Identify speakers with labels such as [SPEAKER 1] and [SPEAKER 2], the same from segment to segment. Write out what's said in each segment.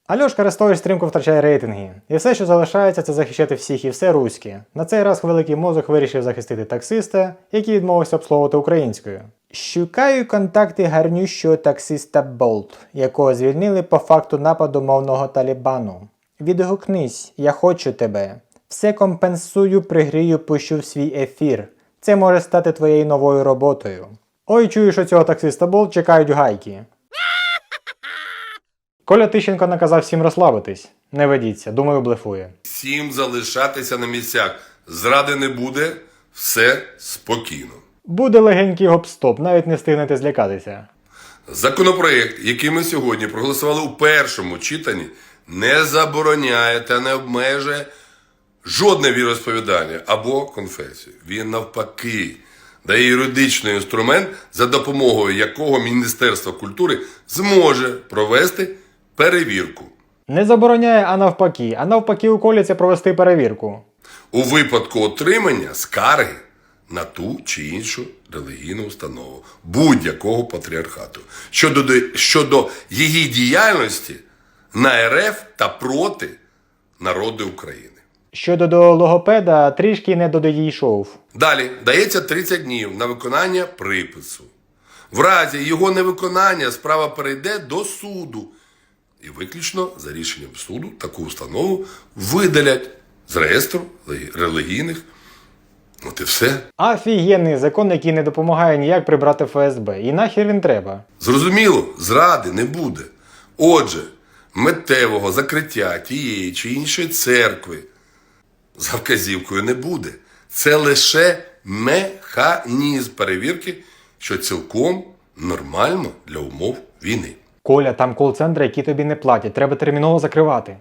[SPEAKER 1] Альошка Арестович стрімко втрачає рейтинги. І все, що залишається, це захищати всіх і все руське. На цей раз великий мозок вирішив захистити таксиста, який відмовився обслуговувати українською. Шукаю контакти гарнющого таксиста Болт, якого звільнили по факту нападу мовного Талібану. Відгукнись, я хочу тебе. Все компенсую, пригрію, пущу в свій ефір. Це може стати твоєю новою роботою. Ой, чую, що цього таксиста Болт чекають гайки. Коля Тищенко наказав всім розслабитись. Не ведіться, думаю, блефує.
[SPEAKER 2] Всім залишатися на місцях. Зради не буде, все спокійно.
[SPEAKER 1] Буде легенький гоп-стоп, навіть не встигнете злякатися.
[SPEAKER 2] Законопроєкт, який ми сьогодні проголосували у першому читанні, не забороняє та не обмежує жодне віросповідання або конфесію. Він навпаки дає юридичний інструмент, за допомогою якого Міністерство культури зможе провести перевірку.
[SPEAKER 1] Не забороняє, а навпаки уколяться провести перевірку.
[SPEAKER 2] У випадку отримання скарги на ту чи іншу релігійну установу будь-якого патріархату щодо її діяльності на РФ та проти народу України.
[SPEAKER 1] Щодо до логопеда, трішки не додійшов.
[SPEAKER 2] Далі дається 30 днів на виконання припису. В разі його невиконання справа перейде до суду. І виключно за рішенням суду таку установу видалять з реєстру релігійних. От і все.
[SPEAKER 1] Офігенний закон, який не допомагає ніяк прибрати ФСБ. І нахер він треба?
[SPEAKER 2] Зрозуміло, зради не буде. Отже, миттєвого закриття тієї чи іншої церкви за вказівкою не буде. Це лише механізм перевірки, що цілком нормально для умов війни.
[SPEAKER 1] Коля, там кол-центри, які тобі не платять. Треба терміново закривати.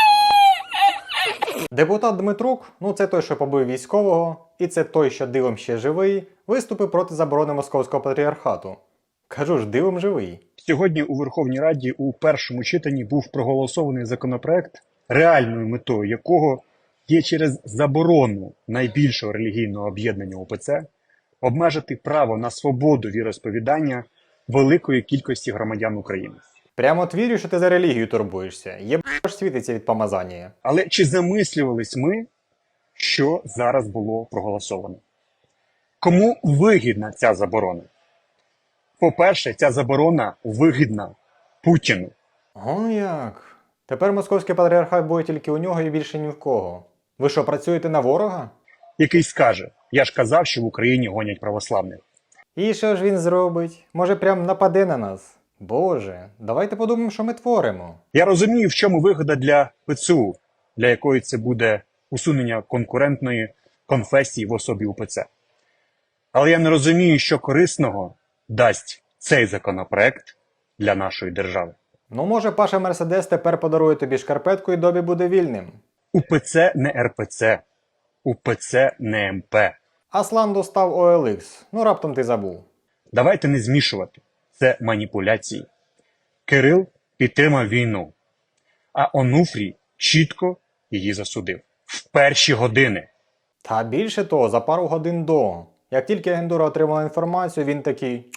[SPEAKER 1] Депутат Дмитрук, це той, що побив військового, і це той, що дивом ще живий, виступив проти заборони Московського патріархату. Кажу ж, дивом живий.
[SPEAKER 3] Сьогодні у Верховній Раді у першому читанні був проголосований законопроект, реальною метою якого є через заборону найбільшого релігійного об'єднання УПЦ обмежити право на свободу віросповідання великої кількості громадян України.
[SPEAKER 1] Прямо от вірю, що ти за релігію турбуєшся. Єбаш світиться від помазання.
[SPEAKER 3] Але чи замислювались ми, що зараз було проголосовано? Кому вигідна ця заборона? По-перше, ця заборона вигідна Путіну.
[SPEAKER 1] О, як? Тепер московський патріархат буде тільки у нього і більше ні в кого. Ви що, працюєте на ворога?
[SPEAKER 3] Який скаже, я ж казав, що в Україні гонять православних.
[SPEAKER 1] І що ж він зробить? Може прям нападе на нас? Боже, давайте подумаємо, що ми творимо.
[SPEAKER 3] Я розумію, в чому вигода для ПЦУ, для якої це буде усунення конкурентної конфесії в особі УПЦ. Але я не розумію, що корисного дасть цей законопроект для нашої держави.
[SPEAKER 1] Може Паша Мерседес тепер подарує тобі шкарпетку і Добі буде вільним.
[SPEAKER 3] УПЦ не РПЦ, УПЦ не МП.
[SPEAKER 1] Аслан достав OLX, раптом ти забув.
[SPEAKER 3] Давайте не змішувати. Це маніпуляції. Кирил підтримав війну, а Онуфрій чітко її засудив. В перші години.
[SPEAKER 1] Та більше того, за пару годин до. Як тільки агентура отримала інформацію, він такий...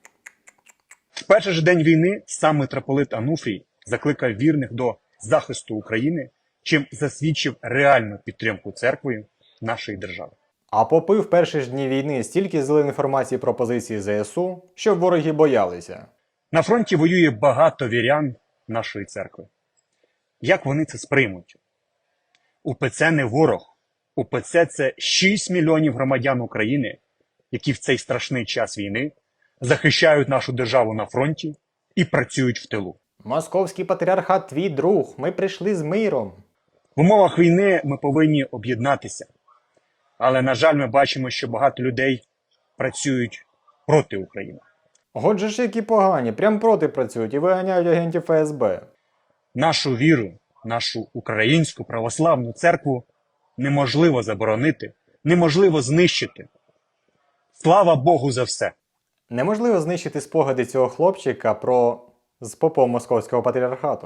[SPEAKER 3] В перший же день війни сам митрополит Онуфрій закликав вірних до захисту України, чим засвідчив реальну підтримку церквою нашої держави.
[SPEAKER 1] А попи в перші ж дні війни стільки злили інформації про позиції ЗСУ, що вороги боялися.
[SPEAKER 3] На фронті воює багато вірян нашої церкви. Як вони це сприймуть? УПЦ не ворог. УПЦ – це 6 мільйонів громадян України, які в цей страшний час війни захищають нашу державу на фронті і працюють в тилу.
[SPEAKER 1] Московський патріархат твій друг, ми прийшли з миром.
[SPEAKER 3] В умовах війни ми повинні об'єднатися. Але, на жаль, ми бачимо, що багато людей працюють проти України.
[SPEAKER 1] Отже ж які погані, прям проти працюють і виганяють агентів ФСБ.
[SPEAKER 3] Нашу віру, нашу українську православну церкву неможливо заборонити, неможливо знищити. Слава Богу за все!
[SPEAKER 1] Неможливо знищити спогади цього хлопчика з попом Московського патріархату.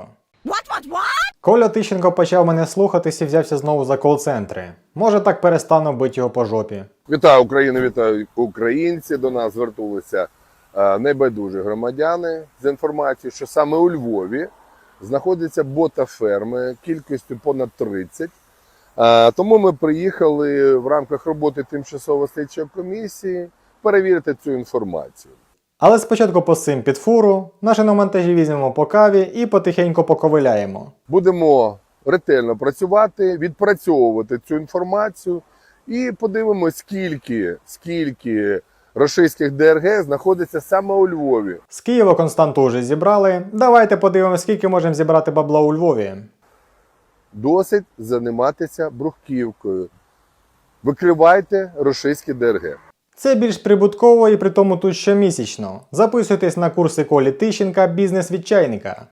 [SPEAKER 1] Коля Тищенко почав мене слухатись і взявся знову за кол-центри. Може так перестану бити його по жопі.
[SPEAKER 4] Вітаю Україну, вітаю українці. До нас звернулися небайдужі громадяни з інформацією, що саме у Львові знаходяться ботаферми кількістю понад 30. Тому ми приїхали в рамках роботи тимчасової слідчої комісії перевірити цю інформацію.
[SPEAKER 1] Але спочатку посим під фуру, на шиномонтажі візьмемо по каві і потихеньку поковиляємо.
[SPEAKER 4] Будемо ретельно працювати, відпрацьовувати цю інформацію і подивимось, скільки російських ДРГ знаходиться саме у Львові.
[SPEAKER 1] З Києва Константу вже зібрали, давайте подивимось, скільки можемо зібрати бабла у Львові.
[SPEAKER 4] Досить займатися брухківкою. Викривайте російські ДРГ.
[SPEAKER 1] Це більш прибутково і при тому тут щомісячно. Записуйтесь на курси Колі Тищенка «Бізнес від чайника».